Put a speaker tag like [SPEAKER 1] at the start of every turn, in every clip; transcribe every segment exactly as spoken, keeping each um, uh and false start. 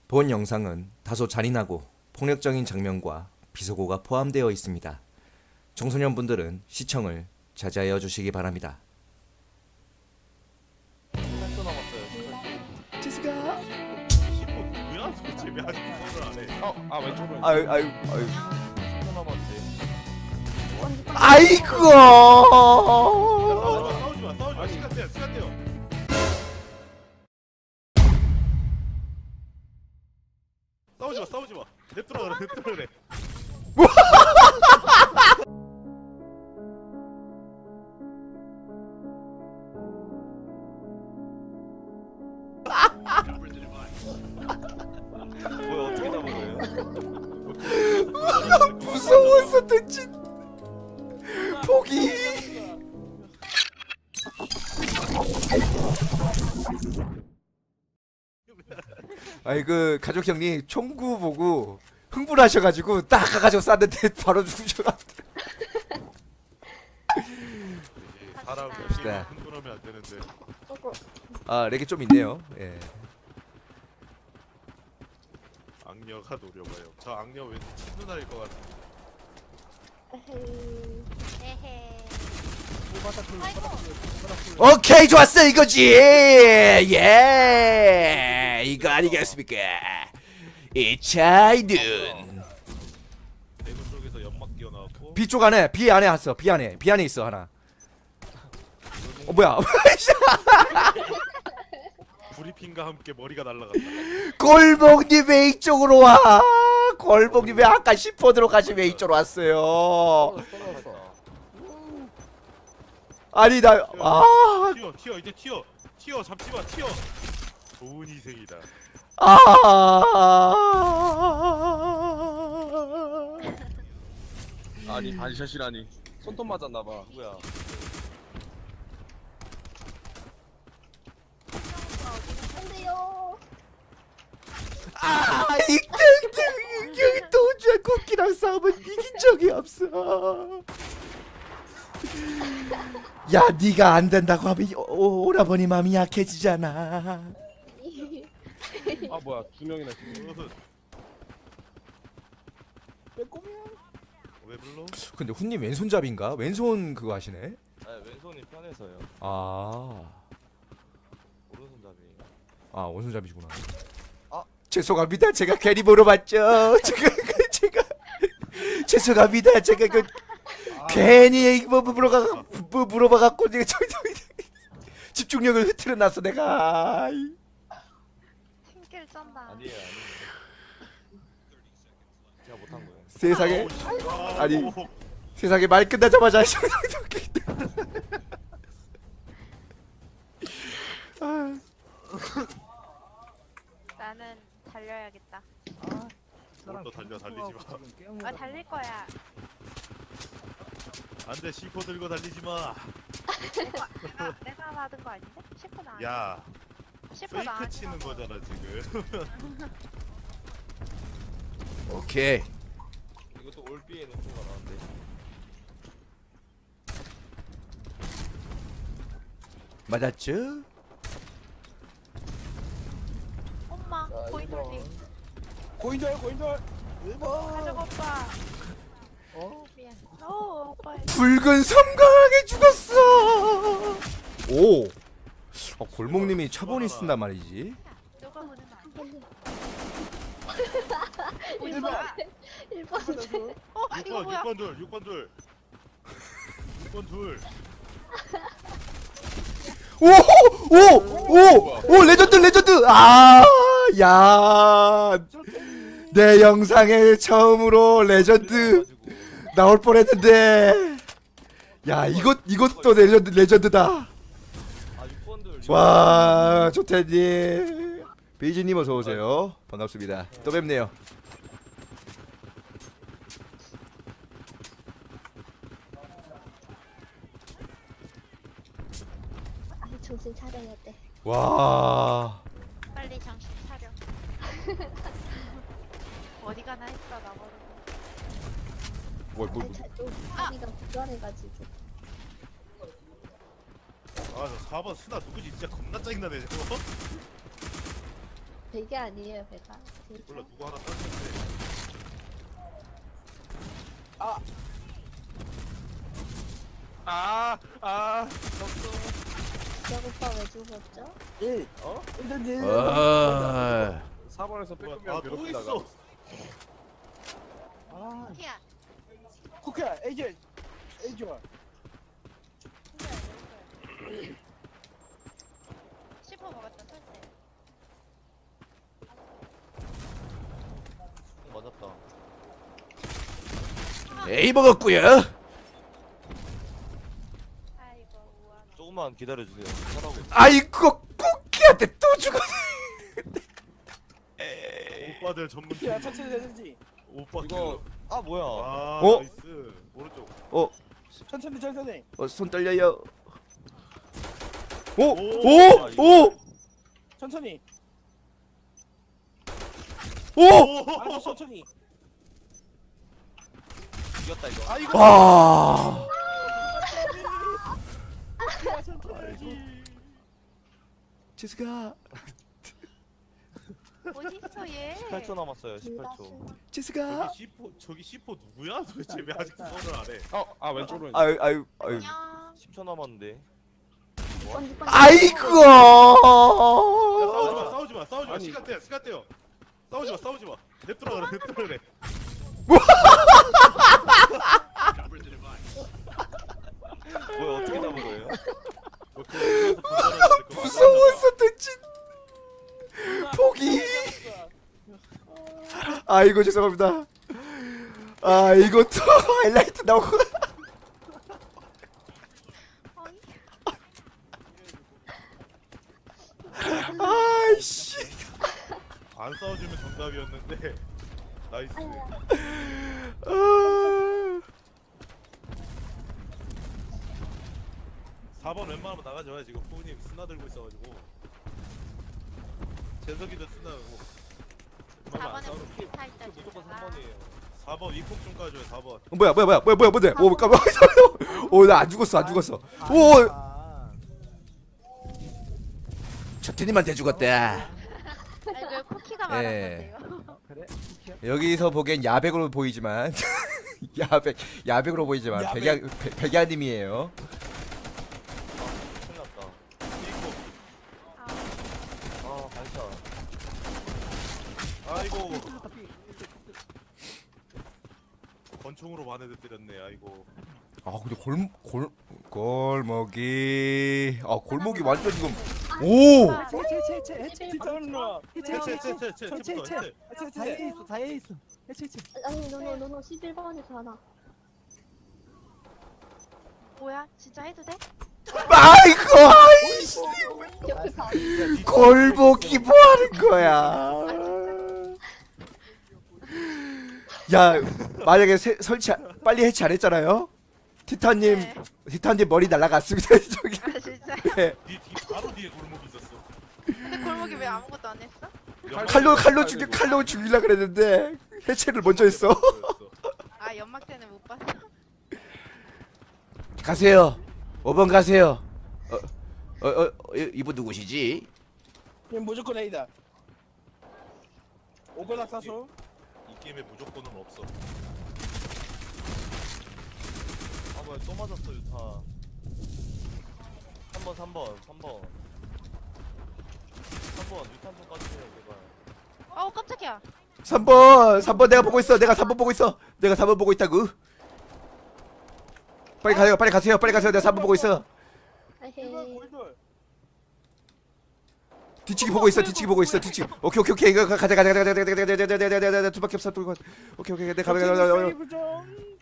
[SPEAKER 1] 본 영상은 다소 잔인하고 폭력적인 장면과 비속어가 포함되어 있습니다. 청소년분들은 시청을 자제하여 주시기 바랍니다.
[SPEAKER 2] 팔 초 남았어요. 십팔 초.
[SPEAKER 1] 지수가
[SPEAKER 3] 십오 누구야? 도대체 아직 구성을 안 해.
[SPEAKER 2] 어, 아 왼쪽으로.
[SPEAKER 1] 아유 아유 아유
[SPEAKER 2] 십 초 남았는데.
[SPEAKER 1] 아이고
[SPEAKER 3] 싸우지 마, 싸우지 마, 싸우지 마. 시간 돼요, 시간 돼요. 싸우지 마, 싸우지 마. 냅두라 그래, 냅두라 그래.
[SPEAKER 2] 뭐야 어떻게 잡은 거예요?
[SPEAKER 1] 무서워서 던진 포기. 아이 그 가족 형님 총구 보고 흥분하셔가지고 딱 가가지고 쐈는데 바로 죽으셔가지고.
[SPEAKER 3] 사람
[SPEAKER 1] 갑시다.
[SPEAKER 3] 흥분하면 안 되는데.
[SPEAKER 1] 아 렉이 좀 있네요. 예.
[SPEAKER 3] 악녀가 노려봐요. 저 악녀 왠지 친누나일 것 같아.
[SPEAKER 4] 에헤.
[SPEAKER 1] 오케이 좋았어 이거지. 예 이거 아니겠습니까? 이차이든
[SPEAKER 3] 대구 쪽에서 연막 뛰어나왔고.
[SPEAKER 1] B 쪽 안에 B 안에 왔어. B 안에 B 안에 있어 하나. 어 뭐야?
[SPEAKER 3] 브리핑과 함께 머리가 날아갔다.
[SPEAKER 1] 골목님 왜 이쪽으로 와? 골목님 왜 아까 십 호드로 가시면 이쪽으로 왔어요? 아니 나 아.
[SPEAKER 3] 튀어, 튀어, 이제 튀어, 튀어, 잡지 마, 튀어. 좋은 희생이다.
[SPEAKER 1] 아.
[SPEAKER 2] 아니 반샷이라니. 손톱 맞았나 봐. 뭐야?
[SPEAKER 4] 안돼요.
[SPEAKER 1] 아, 이등등 여기 도주한 코끼랑 싸우면 이긴 적이 없어. 야, 네가 안 된다고 하면 오, 오라버니 마음이 약해지잖아.
[SPEAKER 2] 아 뭐야 두 명이나 지금.
[SPEAKER 3] 무슨? 왜 불러?
[SPEAKER 1] 근데 훈님 왼손잡인가? 왼손 그거 하시네.
[SPEAKER 2] 네 왼손이 편해서요.
[SPEAKER 1] 아,
[SPEAKER 2] 오른손잡이.
[SPEAKER 1] 아 오른손잡이시구나.
[SPEAKER 2] 아.
[SPEAKER 1] 죄송합니다. 제가 괜히 물어봤죠. 제가 제가 죄송합니다. 제가 그
[SPEAKER 2] 아,
[SPEAKER 1] 괜히 뭐 물어가 뭐 물어봐 갖고 내가 저, 저, 집중력을 흐트려 놨어 내가. 아이.
[SPEAKER 4] 힘길 쩐다.
[SPEAKER 2] 아니에요 아니에요. 제가 못한 거예요.
[SPEAKER 1] 세상에
[SPEAKER 3] 아,
[SPEAKER 1] 아니.
[SPEAKER 3] 오,
[SPEAKER 1] 세상에 말 끝나자마자 아,
[SPEAKER 4] 나는 달려야겠다.
[SPEAKER 3] 뭘또 달려, 달리지 마.
[SPEAKER 4] 아 달릴 거야.
[SPEAKER 3] 안돼, 시포 들고 달리지 마.
[SPEAKER 4] 내가 내가, 내가 받은 거 아닌데? 십 분 안.
[SPEAKER 3] 야,
[SPEAKER 4] 십 분 안.
[SPEAKER 3] 페이크 치는 거잖아 지금.
[SPEAKER 1] 오케이.
[SPEAKER 2] 이것도 올비에 높은가 나는데.
[SPEAKER 1] 맞았죠?
[SPEAKER 4] 엄마 고인돌님
[SPEAKER 2] 고인돌 고인돌.
[SPEAKER 4] 가족 오빠.
[SPEAKER 2] 어?
[SPEAKER 4] 미안. 오 오빠.
[SPEAKER 1] 붉은 섬광하게 죽었어. 오. 어, 골목님이 차본이 쓴단 말이지.
[SPEAKER 4] 누가 보는 거 아니야?
[SPEAKER 2] 일 번.
[SPEAKER 4] 일 번. 어 이거
[SPEAKER 3] 육 번,
[SPEAKER 4] 뭐야?
[SPEAKER 3] 육 번 둘, 육 번 둘. 육 번 둘.
[SPEAKER 1] 오! 오! 오! 오! 레전드 레전드. 아! 야. 내 영상에 처음으로 레전드 나올 뻔했는데. 야, 이것 이것도 레전드 레전드다.
[SPEAKER 2] 아 육 번들.
[SPEAKER 1] 와, 조태님. 베이지님 어서 오세요. 반갑습니다. 또 뵙네요.
[SPEAKER 5] 아니 정신 차려야 돼.
[SPEAKER 1] 와.
[SPEAKER 4] 빨리 정신 차려. 어디 가나 했어 나버리고.
[SPEAKER 1] 뭐, 뭐,
[SPEAKER 5] 아니 자또 자기가 부결해가지고.
[SPEAKER 3] 아, 저 사 번 스나 누구지? 진짜 겁나 짜증나네 저거.
[SPEAKER 5] 베개 아니에요, 배가. 베개.
[SPEAKER 3] 몰라 누구 하나 땄는데. 아! 아! 졌어.
[SPEAKER 5] 지역 오빠 왜 죽었죠?
[SPEAKER 6] 일.
[SPEAKER 2] 어?
[SPEAKER 6] 일단지.
[SPEAKER 1] 아,
[SPEAKER 2] 사 번에서 빼꼼이랑
[SPEAKER 3] 아또
[SPEAKER 2] 괴롭히다가
[SPEAKER 3] 있어.
[SPEAKER 6] 아,
[SPEAKER 4] 티야.
[SPEAKER 6] 쿠키야, 에이지. 에이지 와.
[SPEAKER 4] 씹어 먹었다 설때.
[SPEAKER 2] 맞았다.
[SPEAKER 1] 에이 먹었구요.
[SPEAKER 4] 아이고 우와.
[SPEAKER 2] 조금만 기다려주세요. 하라고.
[SPEAKER 1] 아이고 쿠키한테 또 죽었어.
[SPEAKER 3] 오빠들 전문 팀.
[SPEAKER 6] 쿠키야, 천천히 되는지.
[SPEAKER 3] 오빠
[SPEAKER 2] 이거 아 뭐야?
[SPEAKER 3] 아
[SPEAKER 1] 어?
[SPEAKER 3] 나이스. 오른쪽.
[SPEAKER 6] 천천히, 천천히.
[SPEAKER 1] 어, 손 떨려요. 오,
[SPEAKER 3] 오,
[SPEAKER 1] 오, 오,
[SPEAKER 6] 천천히.
[SPEAKER 1] 오.
[SPEAKER 6] 아주 천천히.
[SPEAKER 2] 이겼다 이거.
[SPEAKER 3] 아 이거.
[SPEAKER 1] 와.
[SPEAKER 6] 쿠키야, 천천히.
[SPEAKER 1] 지스가,
[SPEAKER 4] 어딨어 얘?
[SPEAKER 2] 십팔 초 남았어요. 십팔 초.
[SPEAKER 1] 지스가.
[SPEAKER 3] 저기 시포 저기 시포 누구야? 도대체 왜 아직 선을 안 해?
[SPEAKER 2] 어, 아 왼쪽으로.
[SPEAKER 1] 아유, 아유, 아유.
[SPEAKER 4] 안녕.
[SPEAKER 2] 십 초 남았는데.
[SPEAKER 5] 번지, 번지.
[SPEAKER 1] 아이고.
[SPEAKER 3] 싸우지 마, 싸우지 마, 싸우지 마.
[SPEAKER 2] 아니.
[SPEAKER 3] 시간 돼, 시간 돼요. 싸우지 마, 싸우지 마. 냅두라 그래, 냅두라 그래.
[SPEAKER 2] 뭐야 어떻게 잡은 거예요?
[SPEAKER 3] 뭐 그거 여기서 분전해야 될 거.
[SPEAKER 1] 무서워서 던진 포기. 아이고 죄송합니다. 아 이것도 하이라이트 나오고.
[SPEAKER 4] 어이?
[SPEAKER 1] 아이씨.
[SPEAKER 3] 안 싸워주면 정답이었는데. 나이스.
[SPEAKER 1] 아.
[SPEAKER 3] 사 번 웬만하면 나가줘야 지금 후우님 스나 들고 있어가지고. 재석이도 스나고. 웬만하면 안
[SPEAKER 4] 사 번에
[SPEAKER 3] 싸우면
[SPEAKER 4] 무기 타 있다
[SPEAKER 2] 무조건
[SPEAKER 4] 진짜.
[SPEAKER 2] 삼 번이에요.
[SPEAKER 3] 사 번 위콕 좀 까줘요, 사 번.
[SPEAKER 1] 뭐야 뭐야 뭐야 뭐야 뭐야 뭐야. 오 깜짝. 오나 안 죽었어 안 죽었어. 오. 저 테니만테 죽었다.
[SPEAKER 4] 아이고 쿠키가
[SPEAKER 1] 예.
[SPEAKER 4] 말한
[SPEAKER 6] 그래? 쿠키야?
[SPEAKER 1] 여기서 보기엔 야백으로 보이지만 야백 야백으로 보이지만
[SPEAKER 6] 야백.
[SPEAKER 1] 백야 백- 백야님이에요.
[SPEAKER 2] 큰일 났다.
[SPEAKER 3] 위콕.
[SPEAKER 2] 아 반샷.
[SPEAKER 3] 아이고. 권총으로 반해도 때렸네, 아이고.
[SPEAKER 1] 아 근데 골골 골목이 아 골목이 완전 지금 오.
[SPEAKER 4] 아,
[SPEAKER 6] 채, 채, 채, 채, 해체. 티타노.
[SPEAKER 3] 해체, 해체, 해체, 해체,
[SPEAKER 6] 해체,
[SPEAKER 3] 해체부터 해체.
[SPEAKER 6] 해체,
[SPEAKER 7] 다이에
[SPEAKER 6] 해체.
[SPEAKER 7] 있어, 다이에 있어. 해체, 해체.
[SPEAKER 5] 아니, 노노, 노노, 십일 번에서 하나.
[SPEAKER 4] 뭐야? 진짜 해도 돼?
[SPEAKER 1] 아이고 아이씨.
[SPEAKER 5] 옆에서.
[SPEAKER 1] 골목이 뭐 하는 거야? 야 만약에 세, 설치 안- 빨리 해체 안 했잖아요. 티타님
[SPEAKER 4] 네.
[SPEAKER 1] 티타님 머리 날라갔습니다. 저기.
[SPEAKER 4] 아 진짜?
[SPEAKER 1] 네.
[SPEAKER 3] 뒤, 뒤, 바로 뒤에 골목이 있었어.
[SPEAKER 4] 근데 골목이 왜 아무것도 안 했어?
[SPEAKER 1] 칼로 칼로 죽여 칼로 죽이려 그랬는데 해체를 먼저 했어.
[SPEAKER 4] 아 연막 때는 못 봤어.
[SPEAKER 1] 가세요. 오 번 가세요. 어, 어, 어, 이- 이분 누구시지?
[SPEAKER 6] 얘 무조건 A다. 오거나 사수.
[SPEAKER 3] 이 게임에 무조건은 없어.
[SPEAKER 2] 아 뭐야 또 맞았어 유타. 삼 번 삼 번 삼 번. 삼 번 유탄 좀 까주세요 제발.
[SPEAKER 4] 어우 깜짝이야.
[SPEAKER 1] 삼 번 삼 번 내가 보고 있어. 내가 삼 번 보고 있어. 내가 삼 번 보고 있다고. 빨리 가요. 빨리 가세요. 빨리 가세요. 내가 삼 번 보고 있어.
[SPEAKER 6] 일번
[SPEAKER 5] 에헤이.
[SPEAKER 6] 골돌.
[SPEAKER 1] 뒤치기 보고 있어. 뒤치기 보고 있어. 뒤치기. 오케이 오케이 오케이. 이거 가자 가자 가자 가자 가자 가자 가자 가자 가자 가자 가자 두바퀴 없어. 돌고. 오케이 오케이. 내가 가자 가자 가자.
[SPEAKER 6] 세이브 좀.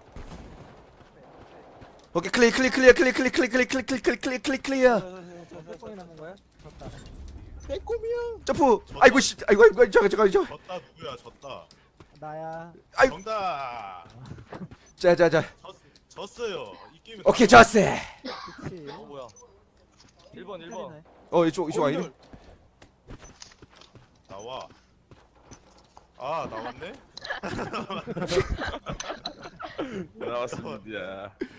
[SPEAKER 1] 오케이 클리어 클리어 클리어 클리어 클리어 클리어 클리어 클리어 클리어 클리어 클리어 클리어.
[SPEAKER 7] 몇 번이 남은 거야? 졌다.
[SPEAKER 6] 빼꼼이야.
[SPEAKER 1] 점프. 아이고 씨. 아이고 아이고 잠깐 잠깐 잠깐.
[SPEAKER 3] 졌다 누구야? 졌다.
[SPEAKER 7] 나야.
[SPEAKER 1] 아이.
[SPEAKER 3] 정답.
[SPEAKER 1] 자자자.
[SPEAKER 3] 졌, 졌어요. 이 게임에.
[SPEAKER 1] 오케이 좋았어.
[SPEAKER 7] 그치.
[SPEAKER 2] 어 뭐야? 일 번 일 번.
[SPEAKER 1] 어 이쪽 이쪽 아니네.
[SPEAKER 6] 골돌.
[SPEAKER 3] 나와. 아 나왔네?
[SPEAKER 2] 나왔습니다.